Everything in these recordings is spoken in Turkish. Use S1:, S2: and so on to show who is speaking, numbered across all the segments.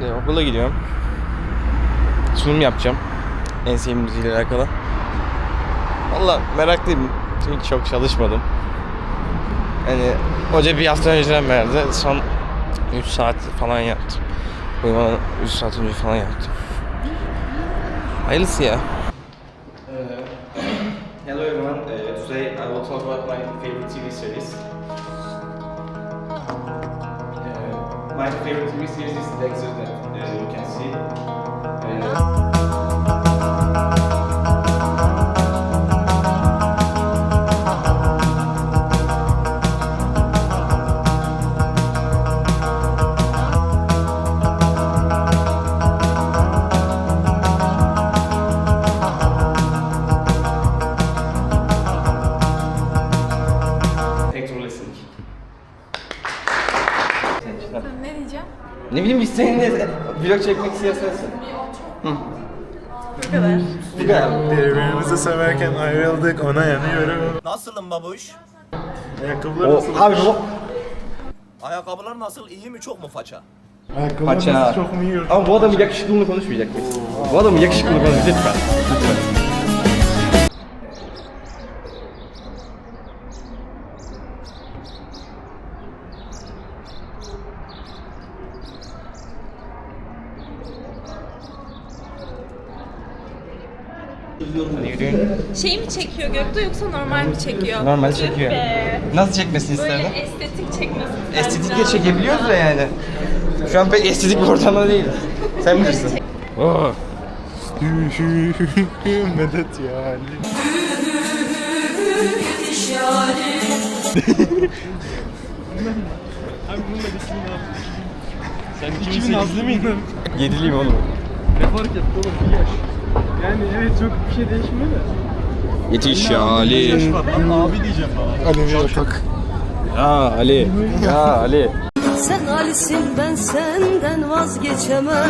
S1: İşte okula gidiyorum. Sunum yapacağım. En sevdiğim müziğiyle alakalı. Valla meraklıyım. Çünkü çok çalışmadım. Hani hoca bir hafta önceden verdi. Son 3 saat falan yaptım. Uyumadan 3 saat önce falan yaptım. Hayırlısı ya. Hello everyone. Today I will talk about my favorite TV series. My favorite TV series is Dexter that you can see.
S2: Ne diyeceğim?
S1: Ne bileyim biz seninle vlog çekmek istiyorsan. Hı.
S2: Bu kadar.
S1: Bu kadar.
S3: Birbirimizi severken ayrıldık, ona yanıyorum.
S4: Nasılım babuş?
S3: Ayakkabılar nasıl?
S1: Abi bu
S4: Ayakkabılar nasıl? İyi mi? Çok mu faça?
S3: Ayakkabılar
S1: Paça.
S3: nasıl, çok mu yiyor?
S1: Ama bu adamın yakışıklılığını konuşmayacak mıyız? Bu adamın yakışıklılığını konuşmayacak lütfen. Lütfen. Hadi yürüyün.
S2: Şey mi çekiyor Göktuğ yoksa normal mi çekiyor?
S1: Normal
S2: Tüh
S1: çekiyor.
S2: be.
S1: Nasıl çekmesini
S2: Böyle
S1: isterdin?
S2: estetik çekmesin.
S1: Estetikle çekebiliyoruz da yani. Şu an pek estetik bir ortamda değiliz. Sen bilirsin. Oh.
S3: Medet yani.
S5: Sen 2008'li miydin?
S1: Yediliyim oğlum.
S5: Ne fark etti oğlum bir yaş. Yani evet çok bir şey değişmiyor da.
S1: Yetiş ya Ali.
S5: Lan abi diyeceğim bana.
S3: Alevi yatak.
S1: Ya Ali. Ya Ali.
S6: Sen Ali'sin ben senden vazgeçemem.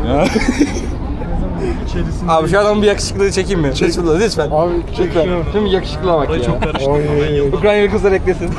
S5: İçerisinde
S1: Abi şu adamın bir yakışıklılığı çekeyim mi? Lütfen. Lütfen.
S3: Abi
S1: Lütfen. Şimdi yakışıklığa bak ya.
S5: çok karıştı.
S3: Oy.
S1: Ukraynalı kızlar eklesin.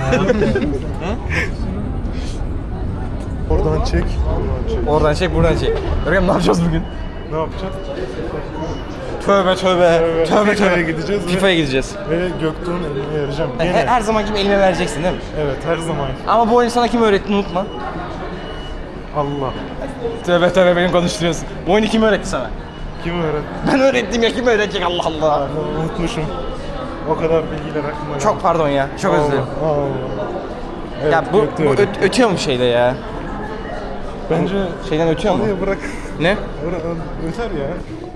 S3: Oradan çek.
S1: Oradan çek, buradan çek. Görkem ne yapacağız bugün?
S3: Ne yapacağız?
S1: Tövbe tövbe. Tövbe
S3: FIFA'ya
S1: tövbe.
S3: gideceğiz
S1: FIFA'ya gideceğiz.
S3: ve Göktuğ'un eline vereceğim.
S1: Her,
S3: Gene.
S1: her zaman gibi elime vereceksin değil mi?
S3: Evet, her zaman.
S1: Ama bu oyunu sana kim öğretti unutma.
S3: Allah.
S1: Tövbe tövbe beni konuşturuyorsun. Bu oyunu kim öğretti sana?
S3: Kim öğretti?
S1: Ben öğrettim ya kim öğretecek Allah Allah.
S3: Unutmuşum. O kadar bilgiler aklıma
S1: Çok pardon ya. Çok özür dilerim.
S3: Evet,
S1: Ya bu
S3: Göktuğ öğretti.
S1: ötüyor mu şeyde ya?
S3: Bence
S1: Şeyden ötüyor mu?
S3: oraya bırak.
S1: Ne?
S3: Öter ya.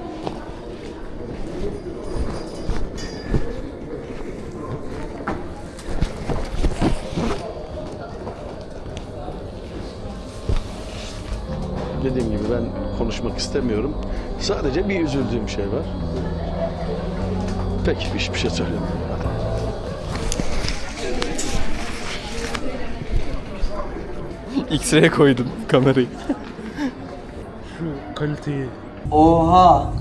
S7: Dediğim gibi ben konuşmak istemiyorum. Sadece bir üzüldüğüm şey var. Peki hiçbir şey söylemiyorum.
S1: X-ray'e koydum kamerayı.
S3: Şu kaliteyi.
S8: Oha.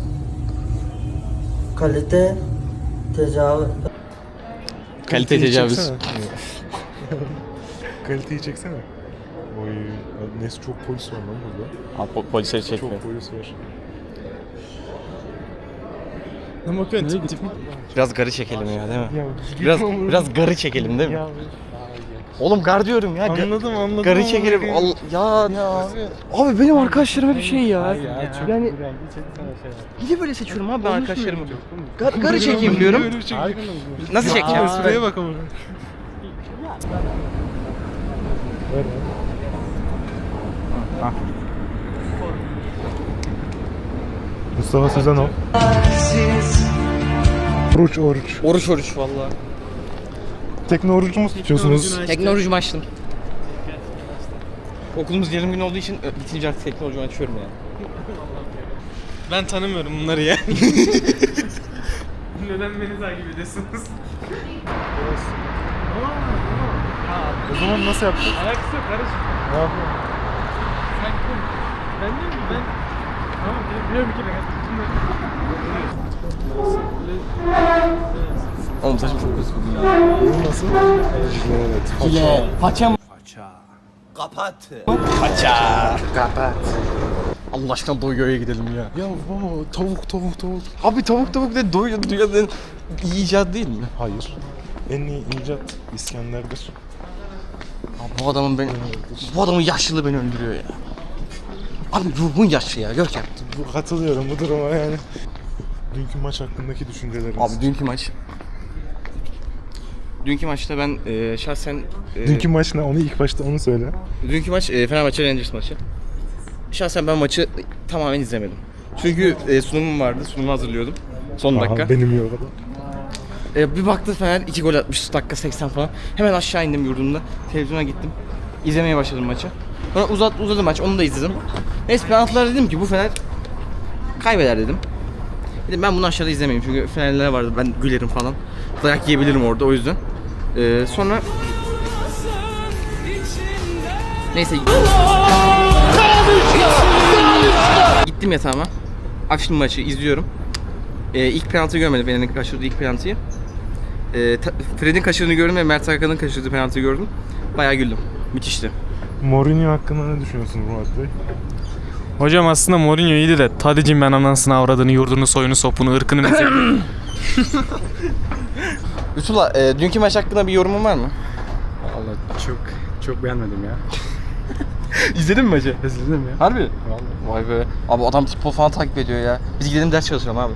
S8: Kalite tecavüz.
S1: Kalite tecavüz.
S3: çeksene. Kaliteyi çeksene. Oy, neyse çok polis var lan burada.
S1: Abi polisleri çekmiyor.
S3: Çok polis var.
S5: Ne bakıyorsun?
S1: Biraz garı çekelim ya değil mi?
S3: Ya,
S1: Biraz garı çekelim değil mi?
S3: Ya,
S1: Oğlum gar diyorum ya.
S3: anladım.
S1: Garı çekelim. Ya. Abi benim arkadaşlarım hep şey ya. Yani bir de böyle seçiyorum abi ben arkadaşlarımı. Garı çekeyim diyorum. Nasıl çekeceğim?
S3: Şuraya bak ama. Mustafa Sözenov. Oruç.
S1: Oruç valla.
S3: Tekne orucu mu tutuyorsunuz?
S1: Teknoloji açtım. Okulumuz yarım gün olduğu için bitince artık teknoloji açıyorum yani.
S5: Ben tanımıyorum bunları ya. Neden beni takip ediyorsunuz?
S3: O zaman nasıl yapacağız?
S5: Alakası yok kardeşim.
S3: Ne yapıyorsun?
S5: Sen kim? Ben değil mi? Ben... Tamam biliyorum bir kere.
S1: Oğlum saçım çok kötü bugün ya.
S3: Oyun nasıl? Evet.
S1: Hile. Paça mı?
S4: Kapat.
S1: Paça.
S3: Kapat.
S1: Allah aşkına Doyuyor'ya gidelim ya.
S3: Ya tavuk.
S1: Abi tavuk de Doyuyor dünyanın iyi icat değil mi?
S3: Hayır. En iyi icat İskender'dir.
S1: Abi bu adamın yaşlılığı beni öldürüyor ya. Abi ruhun yaşlı ya Görkem.
S3: Katılıyorum bu duruma yani. Dünkü maç hakkındaki düşünceleriniz.
S1: Abi dünkü maçta ben şahsen
S3: Dünkü maç ne? Onu ilk başta onu söyle.
S1: dünkü maç Fenerbahçe Rangers maçı. Şahsen ben maçı tamamen izlemedim. Çünkü sunumum vardı. Sunumu hazırlıyordum. Son dakika.
S3: Aha, benim yok adam.
S1: Bir baktı Fener 2 gol atmış dakika 80 falan. Hemen aşağı indim yurdumda. Televizyona gittim. İzlemeye başladım maçı. Sonra uzadı maç. Onu da izledim. Neyse penaltılar dedim ki bu Fener kaybeder dedim. Dedim ben bunu aşağıda izlemeyeyim çünkü Fenerliler vardı. Ben gülerim falan. Dayak yiyebilirim orada o yüzden. Sonra neyse gittim yatağıma. Açtım maçı izliyorum. İlk penaltıyı görmedim. Fener'in kaçırdığı ilk penaltıyı. Fred'in kaçırdığını gördüm ve Mert Hakan'ın kaçırdığı penaltıyı gördüm. Bayağı güldüm. Müthişti.
S3: Mourinho hakkında ne düşünüyorsunuz Murat Bey?
S5: Hocam aslında Mourinho iyiydi de Tadic'in ben anasını avradını, yurdunu, soyunu, sopunu, ırkını mezhebini.
S1: Lütfullah, dünkü maç hakkında bir yorumun var mı?
S5: Vallahi çok beğenmedim ya.
S1: İzledin mi maçı?
S5: İzledim ya.
S1: Harbi? Vay be. Abi adam futbol falan takip ediyor ya. Biz gidelim ders çalışalım abi.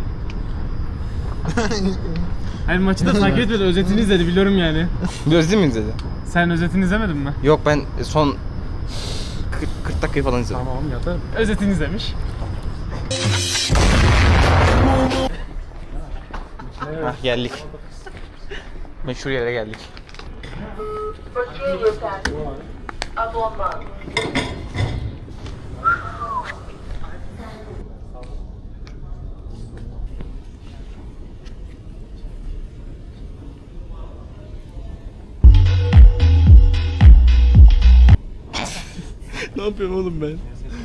S5: Hayır maçı da takip etmedi, özetini izledi biliyorum yani.
S1: Gözlü mü izledi?
S5: Sen özetini izlemedin mi?
S1: Yok ben son 40 dakikayı falan izledim.
S5: Tamam yatar. Özetini izlemiş.
S1: Hah geldik. Meşhur yere geldik. Ne yapıyorum oğlum ben?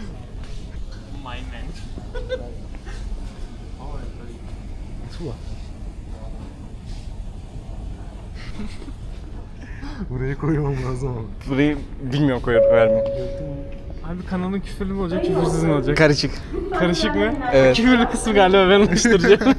S3: Buraya koymam lazım ama.
S1: Burayı bilmiyorum koyup vermiyor.
S5: Abi kanalın küfürlü mü olacak, küfürsüz mü olacak?
S1: Karışık.
S5: Karışık mı?
S1: Evet.
S5: Küfürlü kısmı galiba ben alıştıracağım.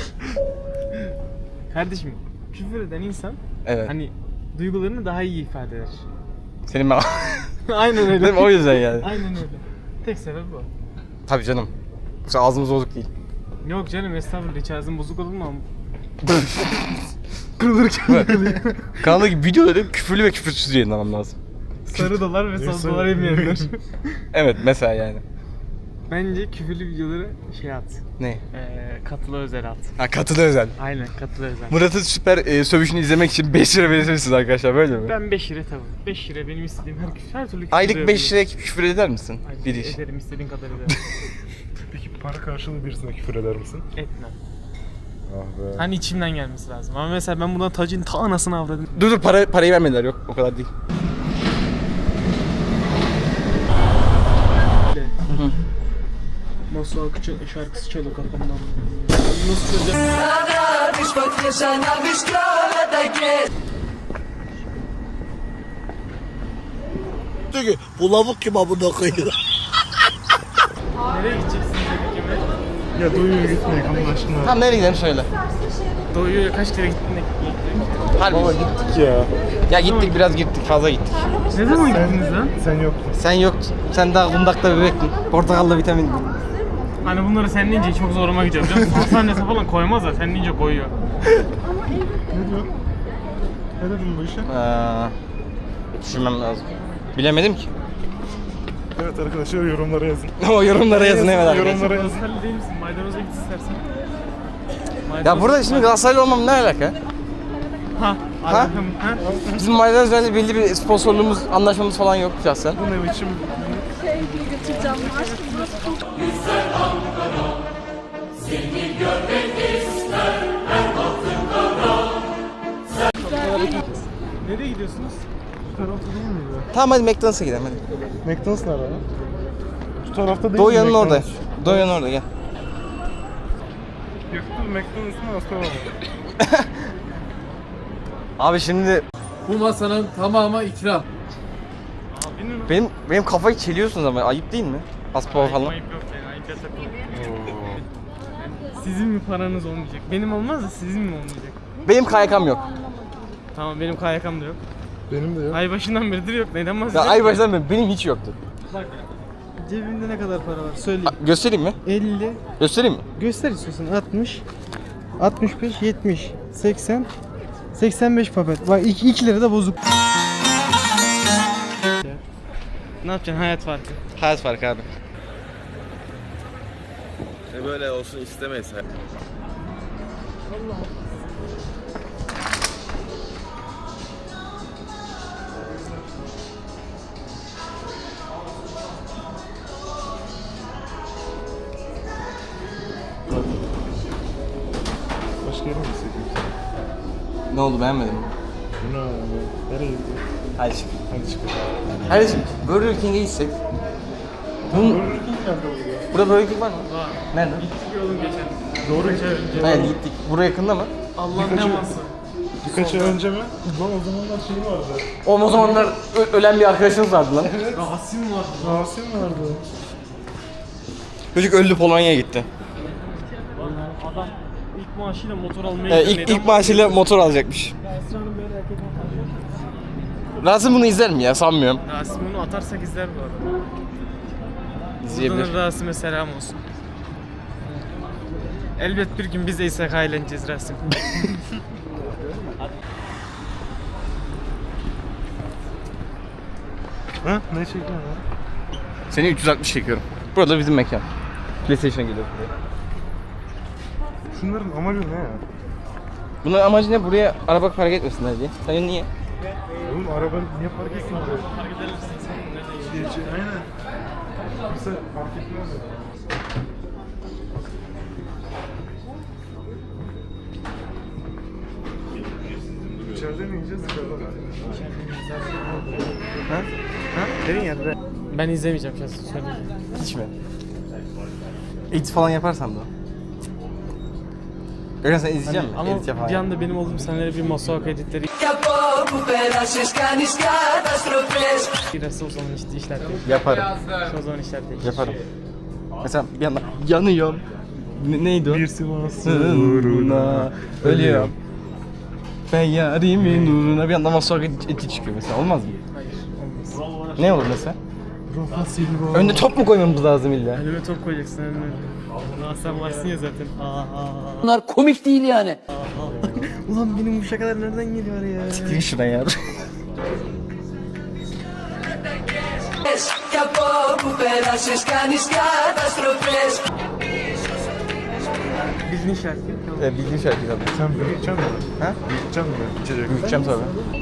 S5: Kardeşim, küfür eden insan
S1: Evet.
S5: hani duygularını daha iyi ifade eder.
S1: Senin ben...
S5: Aynen öyle.
S1: Değil mi? O yüzden yani.
S5: Aynen öyle. Tek sebep bu.
S1: Tabii canım. Yoksa ağzımız bozuk değil.
S5: Yok canım estağfurullah, hiç ağzın bozuk olur mu ama?
S1: Kanaldaki videoları küfürlü ve küfürsüz yayınlamam lazım.
S5: Sarı dolar ve sol dolar yemeyenler.
S1: Evet mesela yani.
S5: Bence küfürlü videoları şey at.
S1: Ne?
S5: Katılı özel at.
S1: Ha katılı özel.
S5: Aynen katılı özel.
S1: Murat'ın süper sövüşünü izlemek için 5 lira verirsiniz arkadaşlar böyle mi?
S5: Ben 5 lira tabii. 5 lira benim istediğim her türlü küfür
S1: Aylık 5 liraya küfür eder misin?
S5: Aylık
S1: Bir iş.
S5: ederim, istediğin kadar ederim.
S3: Peki para karşılığı birisine küfür eder misin?
S5: Etmem.
S3: Ah be.
S5: Hani içimden gelmesi lazım. Ama mesela ben buradan Tac'ın ta anasını avradım.
S1: Dur parayı vermediler yok o kadar değil.
S5: Nasıl akıcı şarkısı çalıyor kafamdan. Nasıl çalacak?
S4: Bu lavuk kim abone koyuyor?
S5: Nereye gideceksiniz dedik Emre?
S3: Ya doyuyor gitmeyek Allah aşkına.
S1: Tamam nereye gidelim söyle.
S5: Doğu'ya kaç kere gittin de
S1: Harbi.
S3: Baba gittik ya.
S1: Ya gittik biraz gittik fazla gittik.
S5: Ne zaman gittiniz lan?
S3: Sen yoktun.
S1: Sen yoktun. Sen daha kundakta bebektin. Portakalla vitamin.
S5: Hani bunları sen deyince çok zoruma gidiyor biliyor musun? Hastanesi falan koymaz da sen deyince koyuyor.
S3: Ne diyorsun? Ne dedin bu işe?
S1: Düşünmem lazım. Bilemedim ki.
S3: Evet arkadaşlar yorumlara yazın.
S1: O yorumlara yazın evet arkadaşlar.
S3: Yorumlara yazın.
S5: Galatasaraylı değil misin? Maydanoz'a git istersen.
S1: Ya burada şimdi Galatasaraylı olmam ne alaka?
S5: Ha?
S1: Ha?
S5: Ha?
S1: Bizim Maydanoz'la belli bir sponsorluğumuz, anlaşmamız falan yok şahsen.
S3: Bu ne biçim?
S2: Götüreceğim. Aşkım burası çok
S5: Nereye gidiyorsunuz?
S3: Bu tarafta değil miydi?
S1: Tamam hadi McDonald's'a gidelim hadi.
S3: McDonald's nerede lan? Bu tarafta değil
S1: Doğu
S3: mi
S1: yanın orada.
S3: McDonald's?
S1: Doğu yanın orada gel.
S3: Yoktu McDonald's mı hasta mı?
S1: Abi şimdi
S9: Bu masanın tamamı ikram.
S1: benim kafayı çeliyorsunuz ama ayıp değil mi? Paspor falan.
S5: Ayıp yok yani, ayıp yasak yok. Sizin mi paranız olmayacak? Benim olmaz da sizin mi olmayacak?
S1: Benim KYK'm yok.
S5: Tamam, benim KYK'm da yok.
S3: Benim de yok.
S5: Ay başından beridir yok. Neden
S1: Ya
S5: bahsediyorsun?
S1: ay başından beri benim hiç yoktu.
S5: Bak, cebimde ne kadar para var söyleyeyim.
S1: Göstereyim mi?
S5: 50,
S1: Göstereyim mi?
S5: göster istiyorsan 60, 65, 70, 80, 85 papet. Bak 2 lira da bozuk. Ne yapacaksın, hayat farkı.
S1: Hayat farkı abi.
S7: Böyle olsun istemeyiz.
S3: Başka yere mi gitsek?
S1: Ne oldu, beğenmedin mi?
S3: Bu ne abi? Nereye gidiyor?
S1: Hadi şimdi.
S3: Hadi çıkalım.
S1: Kardeşim Burger King'e gitsek. Bunun...
S3: Burger King nerede oluyor?
S1: Burada Burger King var mı?
S5: Var.
S1: Nerede?
S5: Gittik oğlum geçen.
S3: Doğru
S1: Hayır gittik. Buraya yakında mı?
S5: Allah'ın ne varsa.
S3: Birkaç ay önce mi? Lan o zamanlar şey vardı.
S1: O zamanlar ölen bir arkadaşınız vardı lan.
S5: Rasim vardı.
S3: Rasim vardı.
S1: Çocuk öldü, Polonya'ya gitti.
S5: Adam ilk maaşıyla motor almaya gidiyor.
S1: İlk maaşıyla motor alacakmış.
S5: Esra'nın böyle erkek arkadaşı.
S1: Rasim bunu izler mi ya? Sanmıyorum.
S5: Rasim onu atarsak izler bu arada.
S1: İzleyebilir.
S5: Buradan Rasim'e selam olsun. Elbet bir gün biz de İshak eğleneceğiz Rasim.
S3: Ha? Ne çekiyorsun ya?
S1: Seni 360 çekiyorum. Burada bizim mekan. PlayStation'a geliyoruz buraya.
S3: Şunların amacı ne ya?
S1: Bunun amacı ne? Buraya araba park etmesinler diye. Sen niye?
S3: Oğlum araba niye park etsin buraya?
S5: Fark edersin sen nereden gidiyorsun?
S3: Aynen. Kimse fark etmez ya. İçeride mi yiyeceğiz, dışarıda mı? Ha? Ha? Senin yerde.
S5: Ben izlemeyeceğim şahsen söyleyeyim.
S1: Hiç mi? Edit falan yaparsan da. Gökhan sen izleyecek misin?
S5: Ama
S1: Edit yapan.
S5: bir anda benim olduğum senelere bir Masuak editleri girerse o zaman işte işler değişir.
S1: Yaparım.
S5: O zaman işler değişir.
S1: Yaparım. Mesela bir anda yanıyorum. Neydi o?
S3: Bir Sivas
S1: uğruna ölüyorum. Ben yarimin uğruna bir anda Masuak edit çıkıyor mesela. Olmaz mı?
S5: Hayır, olmaz.
S1: Ne olur mesela?
S3: Rafa Silva.
S1: Önde top mu koymamız lazım illa?
S5: Önüme top koyacaksın önüme. Aa, sen varsın ya zaten.
S8: Bunlar komik değil yani.
S5: Ulan benim bu şakalar nereden geliyor ya?
S1: Siktir şuradan ya.
S5: Bildiğin şarkı.
S1: Bildiğin şarkı tabii.
S3: Sen büyüteceksin mi?
S1: Ha?
S3: Büyüteceksin mi? İçecek.
S1: Büyüteceğim tabii.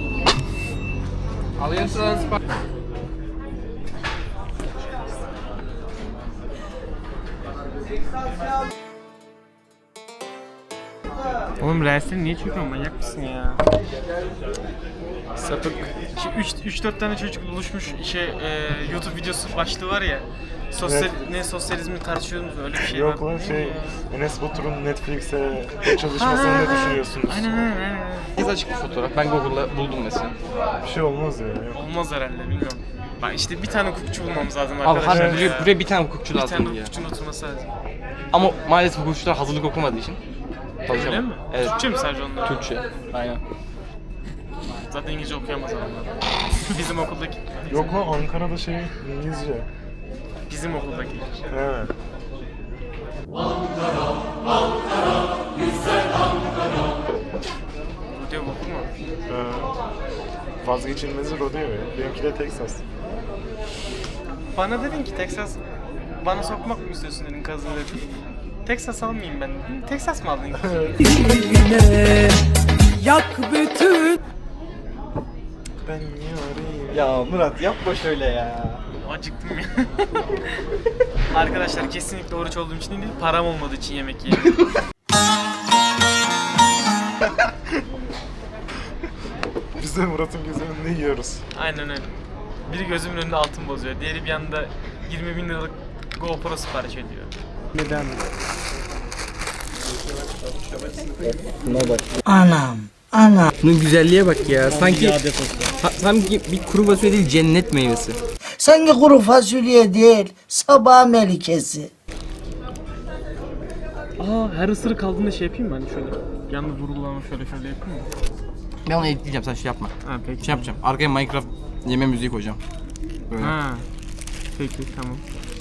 S5: Oğlum reelsleri niye çekiyorsun, manyak mısın ya? Sapık. 3-4 tane çocuk buluşmuş YouTube videosu başlığı var ya.
S3: Evet.
S5: Ne sosyalizmi tartışıyorsunuz, öyle bir şey
S3: Yok
S5: var.
S3: lan şey, Enes Batur'un Netflix'e çalışmasını ne düşünüyorsunuz?
S5: Aynen.
S1: Biz açık bir fotoğraf. Ben Google'da buldum mesela.
S3: Bir şey olmaz ya. Yok.
S5: Olmaz herhalde, bilmiyorum. Bak işte bir tane hukukçu bulmamız lazım
S1: Abi
S5: arkadaşlar.
S1: harbiden
S5: ya.
S1: buraya bir tane hukukçu
S5: bir
S1: lazım
S5: tane
S1: ya.
S5: hukukçunun oturması lazım.
S1: Ama maalesef hukukçular hazırlık okumadığı için.
S5: Öyle mi?
S1: Evet.
S5: Türkçe mi sadece onlar?
S1: Türkçe. Aynen.
S5: Zaten İngilizce okuyamaz adamlar. Bizim okuldaki.
S3: Yok lan Ankara'da şey İngilizce.
S5: Bizim okuldaki.
S3: Evet.
S5: Rodeo okur mu?
S3: Vazgeçilmezi rodeo ya. Benimki de Texas.
S5: Bana dedin ki Texas bana sokmak mı istiyorsun dedin, kazın dedin. Texas almayayım ben dedim. Texas mı aldın?
S3: Ben yarayım.
S1: Ya Murat yapma şöyle ya.
S5: Acıktım ya. Arkadaşlar kesinlikle oruç olduğum için değil, param olmadığı için yemek yiyorum.
S3: Biz de Murat'ın gözünün önünde yiyoruz.
S5: Aynen öyle. Biri gözümün önünde altın bozuyor. Diğeri bir anda 20.000 liralık GoPro sipariş ediyor. Neden?
S8: Anam.
S1: Şunun güzelliğe bak ya. Sanki bir kuru fasulye değil, cennet meyvesi.
S8: Sanki kuru fasulye değil, sabah melikesi.
S5: Aa, her ısırık aldığında şey yapayım mı hani şöyle? Yalnız vurgulama şöyle yapayım mı?
S1: Ben onu editleyeceğim, sen şey yapma.
S5: Ha peki.
S1: Şey yapacağım, arkaya Minecraft yeme müziği koyacağım. Böyle.
S5: Ha. Peki tamam.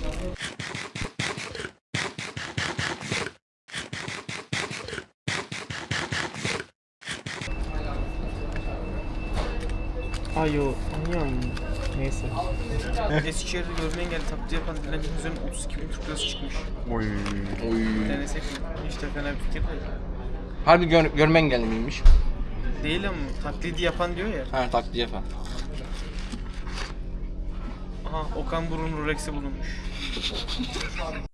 S5: Ay o anlıyorum. Neyse. Eskişehir'de görme engelli taklidi yapan dilencinin üzerine 32 bin Türk lirası çıkmış.
S3: Oy.
S5: Denesek mi? Hiç de fena bir fikir değil.
S1: Harbi görme engelli miymiş?
S5: Değil ama taklidi yapan diyor ya.
S1: Ha, taklidi yapan.
S5: Aha Okan Buruk'un Rex'i bulunmuş.